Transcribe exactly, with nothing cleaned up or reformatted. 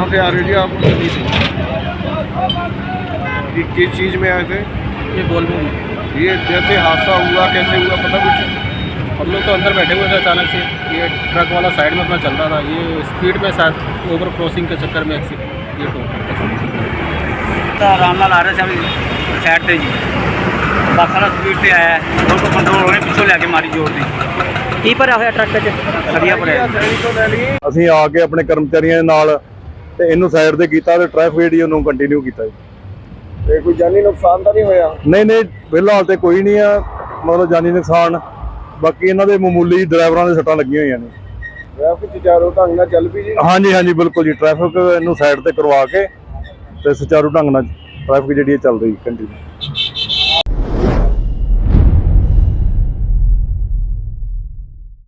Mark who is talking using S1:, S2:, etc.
S1: कहाँ से आ रहे जी आप?
S2: दिल्ली से।
S1: ये किस चीज़ में आए थे?
S2: ये वोल्वो में।
S1: ये जैसे हादसा हुआ कैसे हुआ पता कुछ?
S2: हम लोग तो अंदर बैठे हुए थे, अचानक से ये ट्रक वाला साइड में अपना चल रहा था, ये स्पीड में शायद ओवर क्रॉसिंग के चक्कर में एक्सीडेंट ये तो
S3: आराम नाल आ रहे थे अभी साइड से जी, बस वाला स्पीड से आया है, रोड को कंट्रोल होने पिछों लैके मारी जोर दी
S2: की भरिया होया ट्रक च
S3: सरिया भरिया।
S4: ਅਸੀਂ ਆ ਕੇ ਆਪਣੇ ਕਰਮਚਾਰੀਆਂ ਦੇ ਨਾਲ ਤੇ ਇਹਨੂੰ ਸਾਈਡ ਤੇ ਕੀਤਾ ਤੇ ਟ੍ਰੈਫਿਕ ਜਿਹੜੀ ਉਹਨੂੰ ਕੰਟੀਨਿਊ ਕੀਤਾ ਜੀ।
S1: ਤੇ ਕੋਈ ਜਾਨੀ ਨੁਕਸਾਨ ਤਾਂ ਨਹੀਂ ਹੋਇਆ?
S4: ਨਹੀਂ ਨਹੀਂ ਫਿਲਹਾਲ ਤੇ ਕੋਈ ਨਹੀਂ ਆ ਮਤਲਬ ਜਾਨੀ ਨੁਕਸਾਨ, ਬਾਕੀ ਇਹਨਾਂ ਦੇ ਮਾਮੂਲੀ ਡਰਾਈਵਰਾਂ ਦੇ ਸੱਟਾਂ ਲੱਗੀਆਂ ਹੋਈਆਂ ਨੇ।
S1: ਟ੍ਰੈਫਿਕ ਸੁਚਾਰੂ ਢੰਗ ਨਾਲ ਚੱਲ ਪਈ ਜੀ?
S4: ਹਾਂਜੀ ਹਾਂਜੀ ਬਿਲਕੁਲ ਜੀ, ਟ੍ਰੈਫਿਕ ਇਹਨੂੰ ਸਾਈਡ ਤੇ ਕਰਵਾ ਕੇ ਤੇ ਸੁਚਾਰੂ ਢੰਗ ਨਾਲ ਟ੍ਰੈਫਿਕ ਜਿਹੜੀ ਚੱਲ ਰਹੀ ਕੰਟੀਨਿਊ।